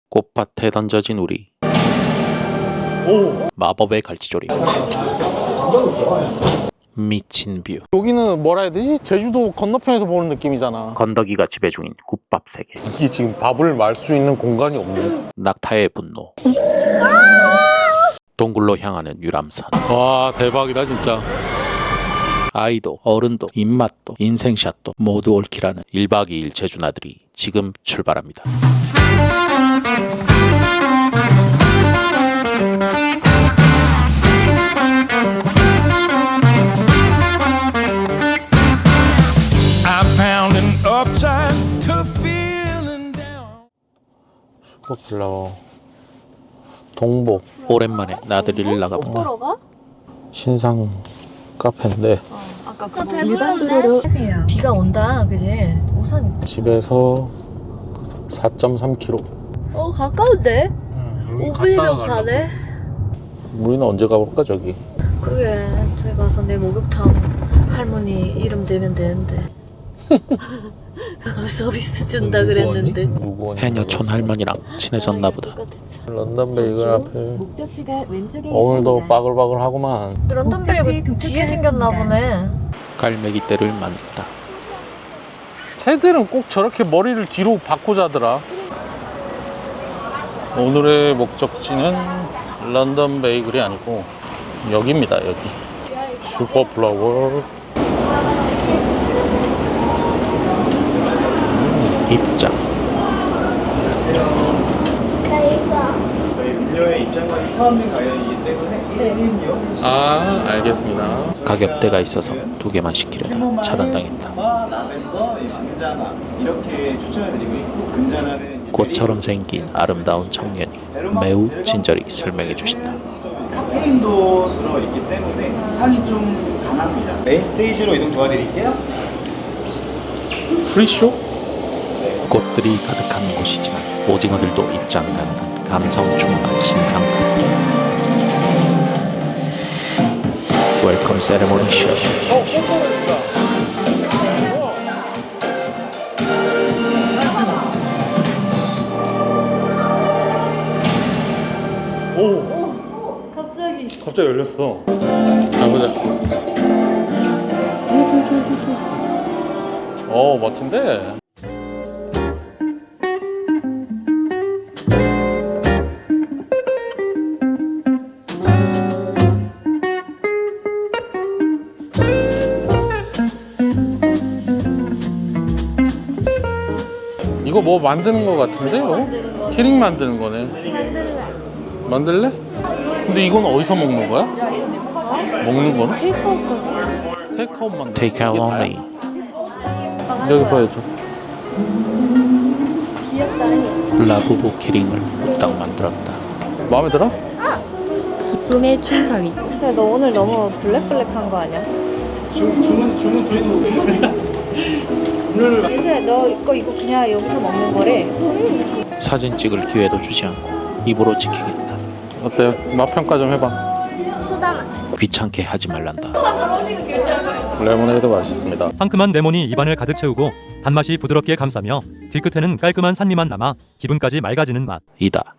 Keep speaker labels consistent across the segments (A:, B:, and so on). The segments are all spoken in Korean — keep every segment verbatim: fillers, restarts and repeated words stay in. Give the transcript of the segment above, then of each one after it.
A: 꽃밭에 던져진 우리.
B: 오.
A: 마법의 갈치조림. 미친 뷰.
B: 여기는 뭐라 해야 되지? 제주도 건너편에서 보는 느낌이잖아.
A: 건더기가 지배 중인 국밥 세계.
B: 이게 지금 밥을 말 수 있는 공간이 없네.
A: 낙타의 분노. 동굴로 향하는 유람선.
B: 와, 대박이다 진짜.
A: 아이도 어른도 입맛도 인생샷도 모두 옳기라는 일박 이일 제주나들이 지금 출발합니다.
B: 슈퍼플라워 동복
A: 오랜만에 나들이를 나가본다.
C: 보러 가?
B: 신상 카페인데
C: 어, 아까 그거 일반 도로로 비가 온다, 그지? 우산 있다.
B: 집에서 사 점 삼 킬로미터.
C: 어, 가까운데? 오 분이면 가네?
B: 우리는 언제 가볼까 저기?
C: 그러게, 저기 가서 내 목욕탕 할머니 이름 대면 되는데. 서비스 준다 그랬는데.
B: 누구 언니?
A: 해녀촌 할머니랑 친해졌나 보다.
B: 런던 베이글 앞에
D: 목적지가 왼쪽에
B: 오늘도
D: 있습니다.
B: 바글바글하구만.
C: 런던 베이글 뒤에 생겼나 보네.
A: 갈매기 떼를 만났다.
B: 새들은 꼭 저렇게 머리를 뒤로 바꿔 자더라. 오늘의 목적지는 런던 베이글이 아니고 여기입니다. 여기 슈퍼플라워.
A: 입장.
E: 저희 음료의 입장권이 포함된 가격이기 때문에 일 인용
B: 아, 알겠습니다.
A: 가격대가 있어서 두 개만 시키려다 차단당했다.
E: 라벤더, 금자나 이렇게 추천을 드리고 있고 금자나는 이제
A: 꽃처럼 생긴 아름다운 청년이 매우 친절히 설명해 주신다.
E: 카페인도 들어있기 때문에 향이 좀 강합니다. 메인 스테이지로 이동 도와드릴게요.
B: 프리쇼?
A: 꽃들이 가득한 곳이지만 오징어들도 입장 가능한 감성 충만 신상 카페. 웰컴 세레모니 쇼.
B: 어, 뽀뽀했다. 오.
C: 오, 갑자기.
B: 갑자기 열렸어. 가보자. 어, 멋진데? 이거 뭐 만드는 거 같은데?
C: 만드는 거.
B: 키링 만드는 거네. 만들래? 근데 이건 어디서 먹는 거야? 먹는 거는?
C: 테이크아웃 가게.
B: 테이크아웃 만드는
A: Take out only.
B: 여기 보여줘.
C: 귀엽다.
A: 라부부 키링을 후딱 만들었다.
B: 마음에 들어?
D: 기쁨의 춘사위.
C: 근데 너 오늘 너무 블랙블랙한 거 아니야?
E: 주문 주문 주의도
C: 예슬아, 너 이거 이거 그냥 여기서 먹는 거래.
A: 사진 찍을 기회도 주지 않고 입으로 지키겠다.
B: 어때? 맛 평가 좀 해봐.
A: 귀찮게 하지 말란다.
B: 레모네이드 맛있습니다.
F: 상큼한 레몬이 입안을 가득 채우고 단맛이 부드럽게 감싸며 뒤끝에는 깔끔한 산미만 남아 기분까지 맑아지는 맛.
A: 이다.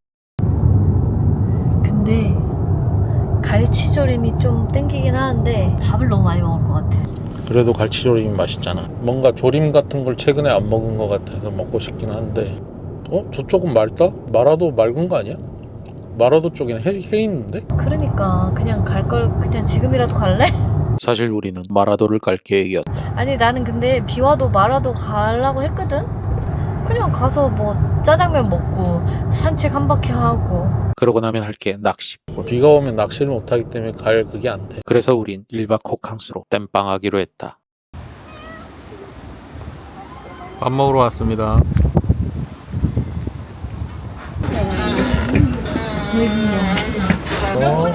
C: 근데 갈치조림이 좀 땡기긴 하는데 밥을 너무 많이 먹을 것 같아.
B: 그래도 갈치조림이 맛있잖아. 뭔가 조림 같은 걸 최근에 안 먹은 것 같아서 먹고 싶긴 한데. 어? 저쪽은 맑다? 마라도 맑은 거 아니야? 마라도 쪽에는 해, 해 있는데?
C: 그러니까 그냥 갈 걸 그냥 지금이라도 갈래?
A: 사실 우리는 마라도를 갈 계획이었다.
C: 아니 나는 근데 비 와도 마라도 가려고 했거든? 그냥 가서 뭐 짜장면 먹고 산책 한 바퀴 하고.
A: 그러고 나면 할 게 낚시.
B: 비가 오면 낚시를 못하기 때문에 갈 그게 안 돼.
A: 그래서 우린 일박 호캉스로 땜빵하기로 했다.
B: 밥 먹으러 왔습니다. 어,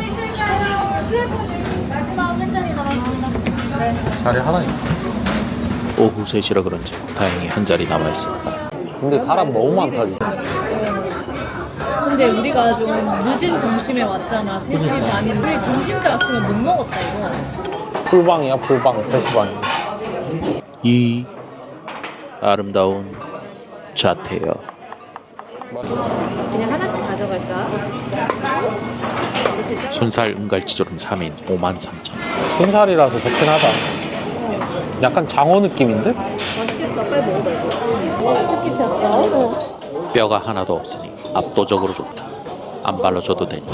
B: 자리 하나 있다.
A: 오후 세 시라 그런지 다행히 한 자리 남아있었다.
B: 근데 사람 너무 많다 진짜.
C: 근데 우리가 좀 늦은 점심에 왔잖아. 세 시 반인데 우리 점심 때 왔으면 못 먹었다 이거.
B: 풀방이야 풀방. 세 시 반이야.
A: 이 아름다운 자태여
C: 그냥 하나씩 가져갈까?
A: 순살 은갈치조림 삼 인 오만 삼천 원.
B: 순살이라서 좋긴 하다. 약간 장어 느낌인데?
C: 맛있겠다. 빨리 먹어봐 이거. 특히 찼어.
A: 뼈가 하나도 없으니 압도적으로 좋다. 안 발라줘도 된다.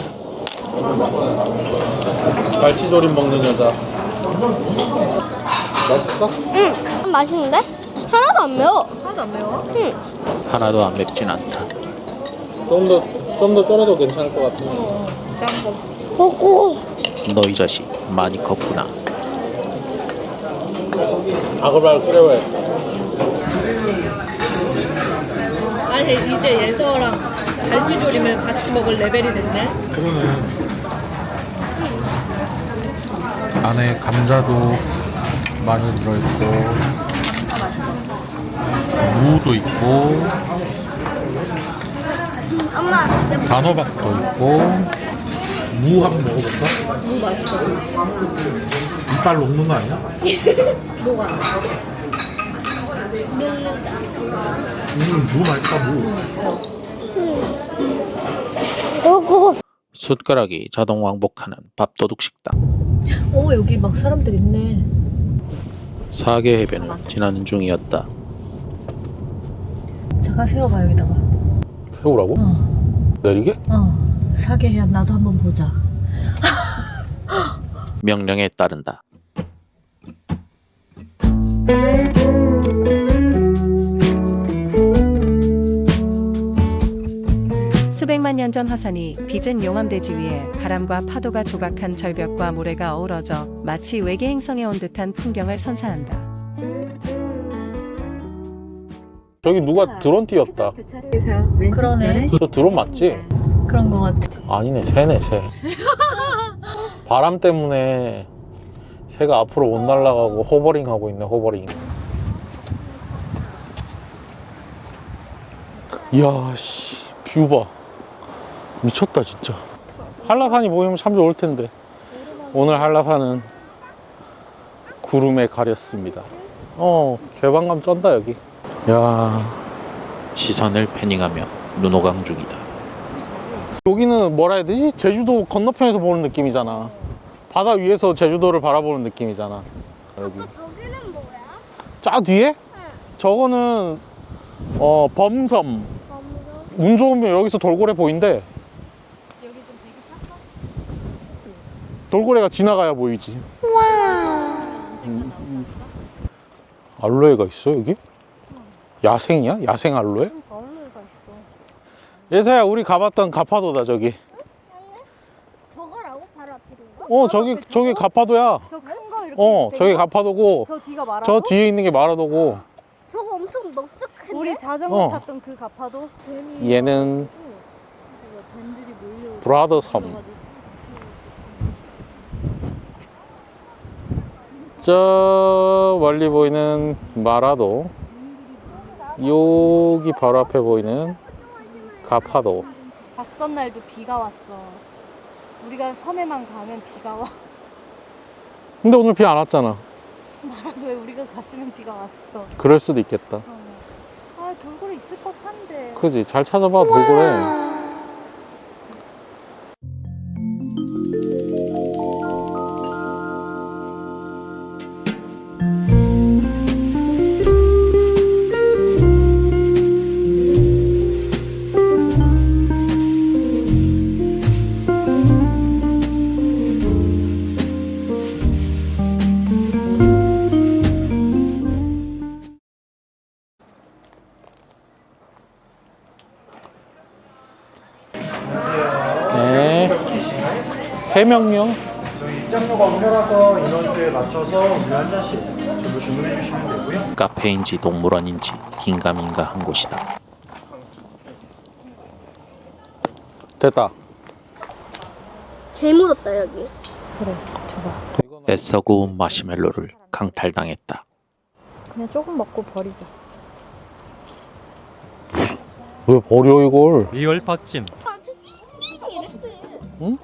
B: 갈치조림 먹는 여자. 맛있어?
G: 응, 맛있는데? 하나도 안 매워.
C: 하나도 안 매워?
G: 응.
A: 하나도 안 맵진 않다.
B: 좀 더, 좀 더 쫄아도 괜찮을 것 같은데.
C: 짠 거.
G: 먹고.
A: 너 이 자식 많이 컸구나.
B: 아글아글 끓여야
C: 아니 이제 예서랑 갈치조림을 같이 먹을 레벨이 됐네.
B: 그러네. 안에 감자도 많이 들어있고, 무도 있고,
G: 엄마,
B: 단호박도 있고. 무 한번 먹어볼까?
C: 무 맛있어.
B: 이빨 녹는 거 아니야?
C: 뭐가?
G: 녹는다.
B: 음, 무 맛있다, 무.
G: 먹고.
A: 숟가락이 자동 왕복하는 밥도둑 식당.
C: 오 여기 막 사람들 있네.
A: 사계 해변을 지나는 중이었다.
C: 잠깐 세워봐 여기다가.
B: 세우라고?
C: 어.
B: 내리게?
C: 어. 사게 해야 나도 한번 보자.
A: 명령에 따른다.
H: 수백만 년 전 화산이 빚은 용암대지 위에 바람과 파도가 조각한 절벽과 모래가 어우러져 마치 외계 행성에 온 듯한 풍경을 선사한다.
B: 저기 누가 드론 띄웠다.
C: 그러네.
B: 저 드론 맞지?
C: 그런 거 같아.
B: 아니네, 새네, 새. 바람 때문에 새가 앞으로 못 날아가고 호버링 하고 있네, 호버링. 이야, 씨, 뷰 봐. 미쳤다, 진짜. 한라산이 보이면 참 좋을 텐데. 오늘 한라산은 구름에 가렸습니다. 어, 개방감 쩐다, 여기. 야,
A: 시선을 패닝하며 눈호강 중이다.
B: 여기는 뭐라 해야 되지? 제주도 건너편에서 보는 느낌이잖아. 바다 위에서 제주도를 바라보는 느낌이잖아. 여기.
G: 저기는 뭐야?
B: 저 뒤에? 저거는 어 범섬. 운 좋으면 여기서 돌고래 보인대. 돌고래가 지나가야 보이지. 음, 음. 알로에가 있어 여기? 야생이야? 야생 알로에?
G: 얼마가 있어?
B: 예사야, 우리 가봤던 가파도다 저기.
G: 저거라고? 바로 앞에 있는 거?
B: 어 저기 저기 가파도야.
G: 저 큰 거 이렇게
B: 어
G: 돼
B: 저기
G: 있는 거?
B: 가파도고
G: 저 뒤가 말하고?
B: 저 뒤에 있는 게 마라도고.
G: 저거 엄청 넓적한데?
I: 우리 자전거
B: 어.
I: 탔던 그 가파도
B: 얘는 브라더 섬. 저 멀리 보이는 마라도, 여기 바로 앞에 보이는 가파도.
I: 갔던 날도 비가 왔어. 우리가 섬에만 가면 비가 와.
B: 근데 오늘 비 안 왔잖아.
I: 마라도에 우리가 갔으면 비가 왔어.
B: 그럴 수도 있겠다.
I: 어. 아 돌고래 있을 법한데.
B: 그지? 잘 찾아봐, 돌고래. 네. 세 명요?
E: 저희 입장료가 무료라서 인원수에 맞춰서 음료 한 잔씩 전부 주문해 주시면 되고요.
A: 카페인지 동물원인지 긴가민가한 곳이다.
B: 됐다.
G: 제일 묻었다 여기.
A: 애써 구운 마시멜로를 강탈당했다.
I: 그냥 조금 먹고 버리자.
B: 왜 버려 이걸?
F: 리얼 팥찜.
B: 응?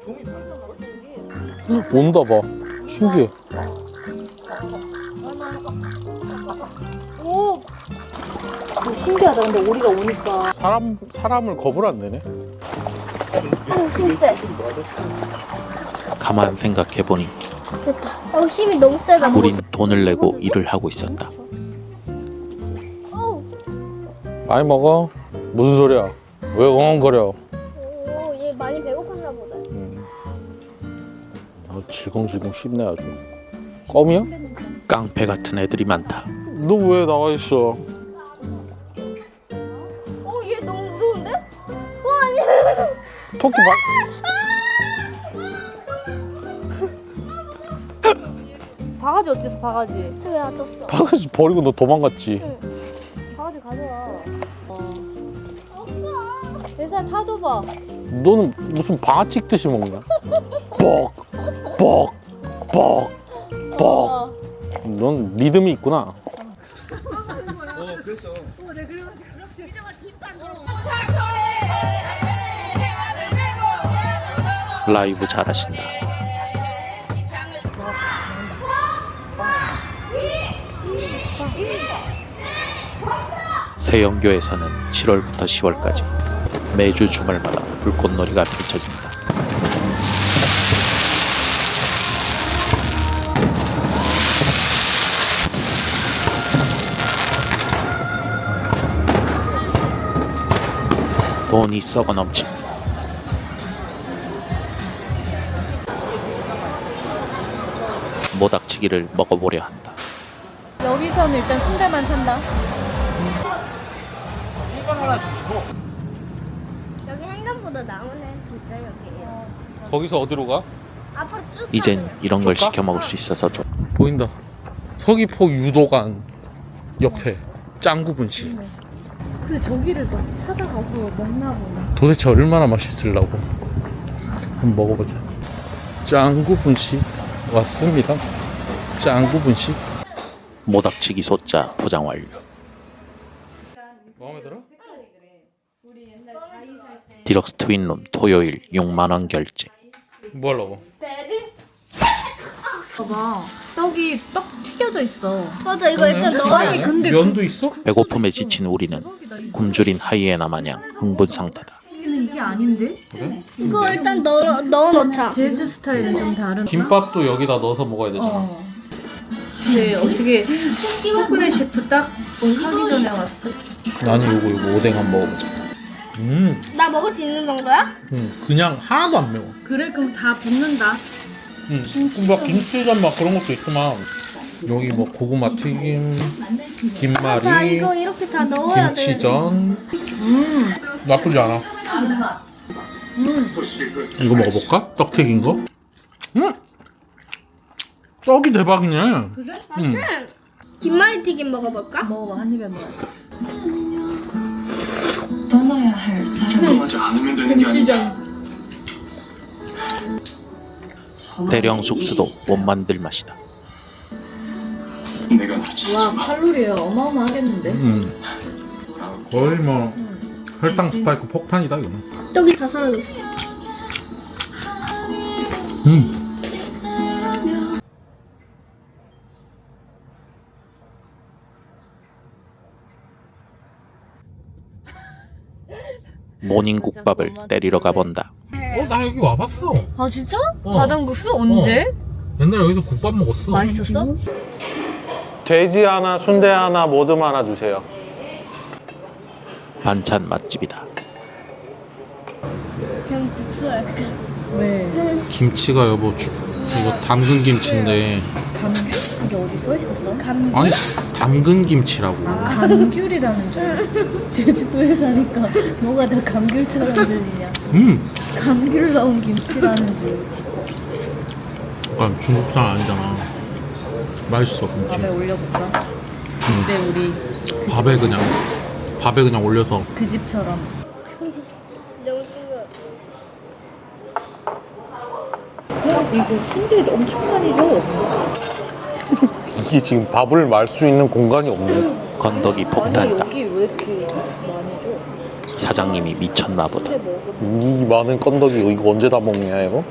B: 온다 봐. 신기해.
G: 오!
I: 신기하다. 근데 우리가 오니까.
B: 사람 사람을 겁을 안 내네.
G: 어, 힘 세.
A: 가만 생각해보니
G: 됐다. 어, 힘이 너무 세다.
A: 우린 돈을 내고 일을 하고 있었다.
G: 어우,
B: 많이 먹어. 무슨 소리야? 왜 엉엉거려?
G: 오, 얘 많이 배고팠나 보다.
B: 음. 아, 질겅질겅 씹네 아주. 껌이야?
A: 깡패 같은 애들이 많다.
B: 너 왜 나와 있어?
G: 어, 얘 너무 무서운데? 와, 아니.
B: 토끼 봐.
I: 바가지 어째서 바가지?
G: 저기 놔뒀어.
B: 바가지 버리고 너 도망갔지.
I: 바가지 가져와. 예산 타줘봐.
B: 너는 무슨 방아 찍듯이 먹냐? 뻑, 뻑, 뻑, 뻑. 넌 리듬이 있구나.
A: 라이브 잘하신다. 세영교에서는 칠월부터 시월까지 매주 주말마다 불꽃놀이가 펼쳐집니다. 돈이 썩어 넘칩니다. 모닥치기를 먹어보려 한다.
C: 여기서는 일단 순대만 산다.
G: 여기 행감보다 나오네. 진짜 여기.
B: 거기서 어디로 가?
G: 앞으로 쭉.
A: 이젠 이런 걸
B: 줄까?
A: 시켜 먹을 수 있어서 좋.
B: 보인다. 서귀포 유도관 옆에 짱구 분식.
C: 근데 저기를 또 찾아가서 먹나 보나.
B: 도대체 얼마나 맛있으려고. 한번 먹어보자. 짱구 분식 왔습니다. 짱구 분식.
A: 모닥치기 소자 포장 완료.
B: 마음에 들어?
A: 디럭스 트윈룸 토요일 육만 원 결제.
B: 뭐 하려고?
C: 봐봐. 떡이 떡 튀겨져 있어.
G: 맞아, 이거 일단 넣어.
C: 아니 근데
B: 면도 있어?
A: 배고픔에 지친 우리는 굶주린 하이에나 마냥 흥분 상태다.
C: 여기는 이게 아닌데?
G: 이거 일단 넣어 넣어 놓자.
C: 제주 스타일은 좀 다른.
B: 김밥도 여기다 넣어서 먹어야 되잖아.
C: 어. 근데 어떻게 포근의 셰프 딱 하기 전에 왔어?
B: 나는 요거 요거 오뎅 한번 먹어보자. 음,
G: 나 먹을 수 있는 정도야?
B: 음 그냥 하나도 안 매워.
C: 그래 그럼 다 붓는다.
B: 음, 막 김치전 막 그런 것도 있구만. 여기 뭐 고구마 튀김,
G: 자,
B: 김말이,
G: 이거 이렇게 다 넣어야 돼.
B: 김치전.
C: 음.
B: 나쁘지 않아.
C: 음.
B: 이거 먹어볼까? 떡 튀긴 거? 음, 떡이 대박이네.
C: 그래?
B: 음.
G: 김말이 튀김 먹어볼까?
C: 먹어봐 한 입에 먹어. 김치전.
A: 대령 숙수도 못 만들 맛이다.
C: 와 칼로리 어마어마하겠는데?
B: 음. 거의 뭐 혈당 스파이크 폭탄이다 이거는.
G: 떡이 다 사라졌어.
B: 음.
A: 모닝국밥을 때리러 가본다.
B: 어, 나 여기 와봤어.
C: 아 진짜?
B: 어.
C: 바당국수 언제?
B: 옛날에 여기서 국밥 먹었어.
C: 맛있었어?
B: 돼지 하나, 순대 하나, 모듬 하나 주세요.
A: 반찬 맛집이다.
G: 그냥 국수 할까?
C: 왜?
B: 김치가 여보 주, 이거 담근 김치인데.
C: 감귤? 이게 어디 써 있었어?
G: 감.
B: 아니 담근 김치라고.
C: 감귤이라는 줄. 제주도에 사니까 뭐가 다 감귤처럼 들리냐?
B: 음.
C: 감귤 넣은 김치라는 줄.
B: 약간 중국산 아니잖아. 맛있어 김치.
C: 밥에 올려볼까? 근데 우리
B: 밥에 그냥 밥에 그냥 올려서.
C: 그 집처럼.
G: 너무 뜨거.
C: 어? 이거 순대 엄청 많이 줘.
B: 이게 지금 밥을 말 수 있는 공간이 없네.
A: 건더기 폭탄이다.
C: 여기 왜 이렇게 많이 줘?
A: 사장님이 미쳤나 보다.
B: 이 많은 건더기 이거 언제 다 먹냐 이거?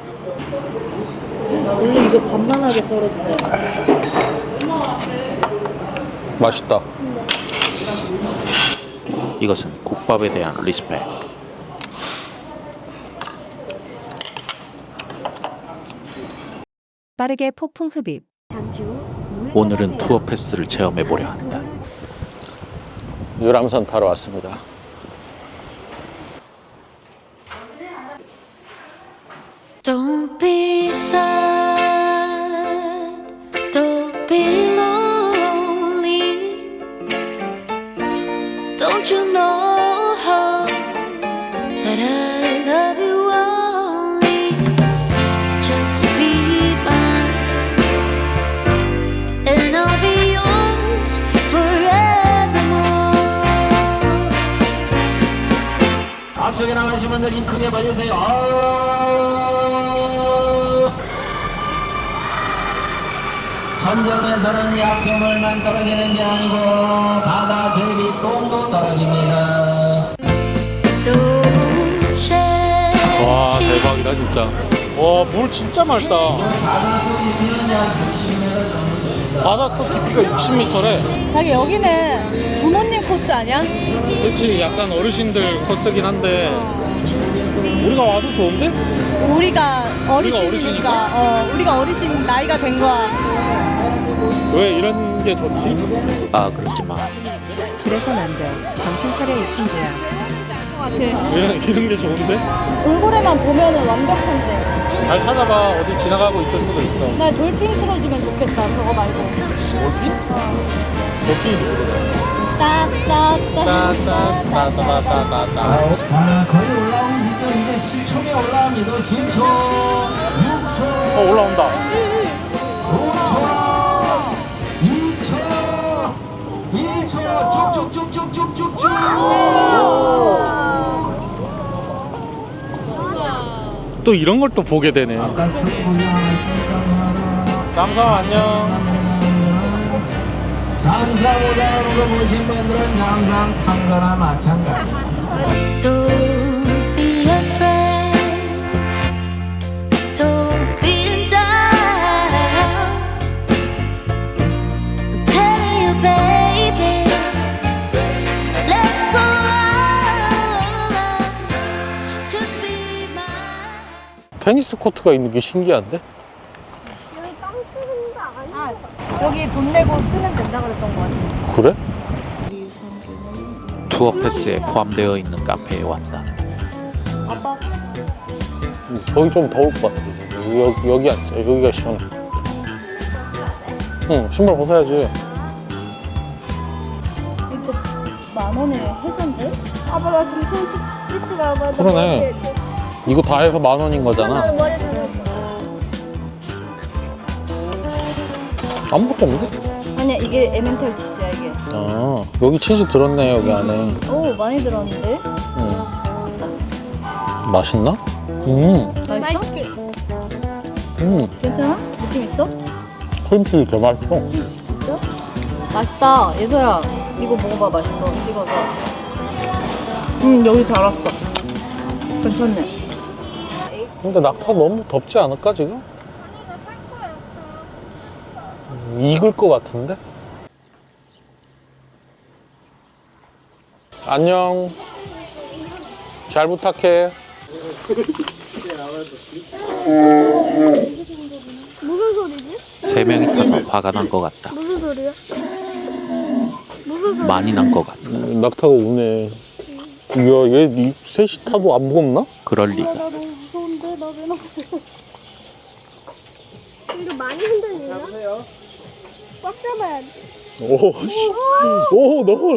C: 원래 이거 반만하게 썰어주잖아.
B: 맛있다.
A: 이것은 국밥에 대한 리스펙.
H: 빠르게 폭풍 흡입.
D: 잠시 후
A: 오늘은 투어 패스를 체험해 보려 한다.
B: 유람선 타러 왔습니다.
G: Don't be sad, don't be lonely. Don't you know that I love you only? Just be mine, and I'll be yours forevermore.
J: 앞쪽에 나가신 분들 힘 크게 벌리세요. 전쟁에서는 약속물만 떨어지는 게 아니고 바다 제비 똥도 떨어집니다.
G: Don't shed
B: 와
G: tears.
B: 대박이다 진짜. 와 물 진짜 맑다. 바닷속 깊이가 육십 미터래.
C: 자기 여기는 부모님 코스 아니야?
B: 그렇지 약간 어르신들 코스긴 한데 우리가 와도 좋은데?
C: 우리가 어르신이니까,
B: 어르신이니까?
C: 어, 우리가 어르신 나이가 된 거야.
B: 왜 이런 게 좋지?
A: 아 그러지 마.
H: 그래선 안 돼. 정신 차려 이 친구야.
B: 이런, 이런 게 좋은데?
C: 돌고래만 보면은 완벽한데.
B: 잘 찾아봐. 어디 지나가고 있을 수도 있어.
C: 나 돌핀 틀어주면 좋겠다. 저거 말고.
B: 돌핀? 돌핀이 누구래?
C: 따따따.
B: 따따따따따따따.
J: 아, 거의 올라오는 시점 이제 십 초에 올라옵니다. 십 초, 육 초,
B: 어 올라온다.
J: 오 초, 이 초, 일 초, 쭉쭉쭉쭉쭉쭉쭉.
B: 또 이런 걸 또 보게 되네. 잠깐 안녕.
J: 장사 오자는 거 보신 분들은 항상 탄 거나 마찬가지.
G: Don't be afraid. Don't be in doubt. I'm telling you, baby. Let's go all out. Just be mine.
B: 테니스 코트가 있는 게 신기한데?
C: 아, 여기 돈 내고 쓰면 된다 그랬던 거 같아.
B: 그래?
A: 투어 패스에 포함되어 있는 카페에 왔다.
C: 아빠.
B: 거기 좀 더울 것 같아. 이제. 여기, 여기 앉자. 여기가 시원해. 응, 신발 벗어야지.
C: 이거 만 원에 해산돼? 아빠 나 지금 손 찢지 마봐.
B: 그러네. 이거 다 해서 만 원인 거잖아.
C: 머리 좀.
B: 아무것도 없는데?
C: 아니야 이게 에멘탈 치즈야 이게.
B: 아, 여기 치즈 들었네, 여기 안에.
C: 오 많이 들었는데?
B: 응. 맛있나? 음,
C: 맛있어?
B: 음.
C: 괜찮아? 느낌 있어?
B: 크림치즈 개 맛있어.
C: 맛있다 예서야 이거 먹어봐 맛있어 찍어서. 응 여기 잘 왔어. 괜찮네.
B: 근데 낙타 너무 덥지 않을까, 지금? 익을 것 같은데? 안녕. 잘 부탁해.
G: 무슨 소리지?
A: 세 명이 타서 화가 난 것 같다.
G: 무슨 소리야? 무슨 소리?
A: 많이 난 것 같다.
B: 낙타가 우네. 야, 얘 이 셋이 타도 안 무겁나?
A: 그럴 리가.
G: 나 너무 무서운데 나 왜 나가? 이거 많이 흔들리나? 꽉 잡아야 돼.
B: 오, 씨. 오, 너무.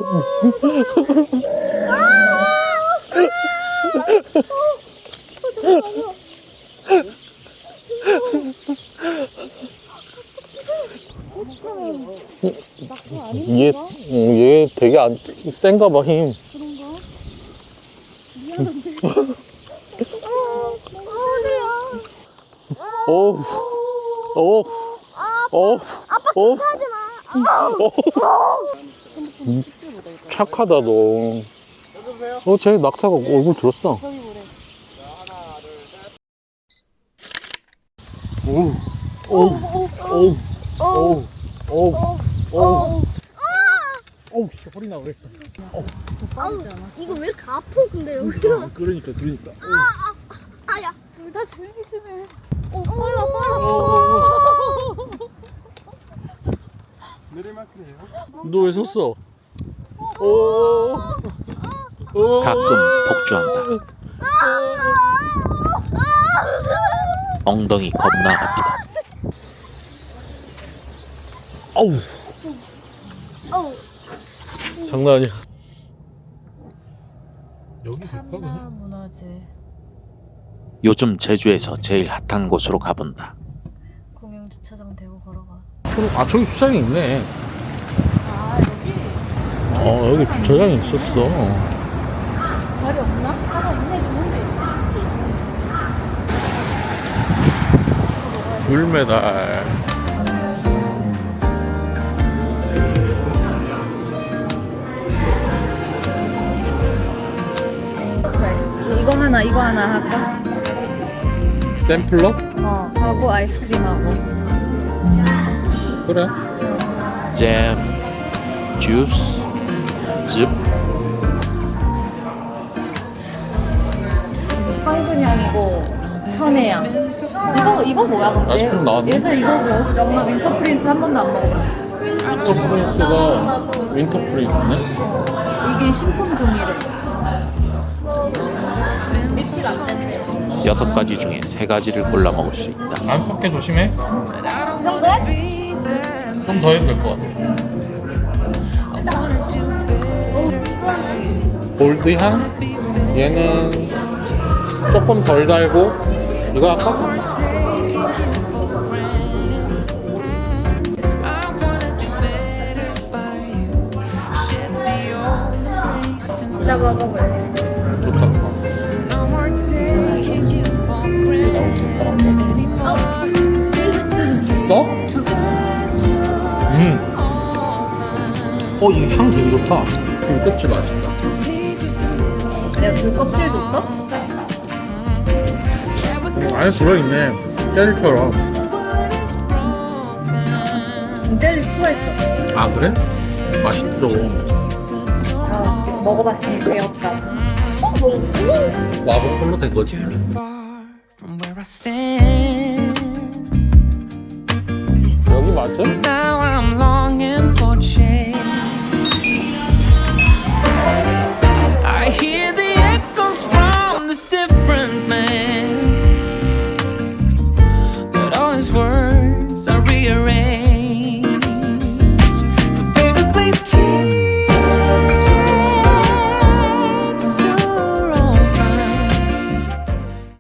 B: 얘, 어, 얘 되게 안, 센가 봐, 힘.
G: 그런가? 미안한데. 아, 어디야?
B: 오, 오, 오, 오.
G: 하지 마.
B: 음, 착하다, 너. 어, 쟤 낙타가 얼굴 들었어. 오, 오, 오, 오, 오, 오, 어우 씨, 허리 나오래.
G: 아우, 이거 왜 이렇게 아파 근데 여기가.
B: 그러니까 그러니까.
G: 아야.
I: 둘 다 조용히 좀 해.
G: 어, 빨라 빨라.
B: 너 왜 섰어? 오. 오.
A: 가끔 복주한다. 엉덩이 겁나 아프다.
B: 아우.
G: 어우.
B: 장난 아니야. 여기 갈까 그냥?
C: 문화재
A: 요즘 제주에서 제일 핫한 곳으로 가본다.
C: 공영 주차장 대고 걸어가.
B: 아 저기 주차장이 있네.
C: 아 여기
B: 어 여기 주차장이 있었어.
C: 자리 없나? 하나 있네 좋은데.
B: 귤메달.
C: 이거 하나 이거 하나 할까?
B: 샘플러?
C: 어 하고 아이스크림하고.
B: 그래.
A: 잼, 주스, 즙.
C: 황금향이고 천혜향. 이거 이거 뭐야 근데?
B: 아이스크림 나왔네.
C: 예전 이거 뭐 정말 윈터 프린스 한 번도 안 먹어봤어.
B: 윈터 프린스가 윈터 프린스네?
C: 이게 신품 종이래.
A: 여섯 가지 중에 세 가지를 골라 먹을 수 있다.
B: 안 섞게 조심해. 좀 더 해도 될 것 같아. 골드향? 얘는 조금 덜 달고 이거 할까?
G: 나 먹어볼래.
B: 좋다. 써? 음. 어, 이게 향 되게 좋다. 굴껍질 맛있다.
C: 내가 굴 껍질도 써?
B: 음, 안에 들어있네. 젤리처럼.
C: 젤리 추가했어.
B: 아, 그래? 맛있어.
C: 어, 먹어봤으니 배웠다.
G: 어, 뭐?
B: 마법 홀로 된 거지. 여기 맞아?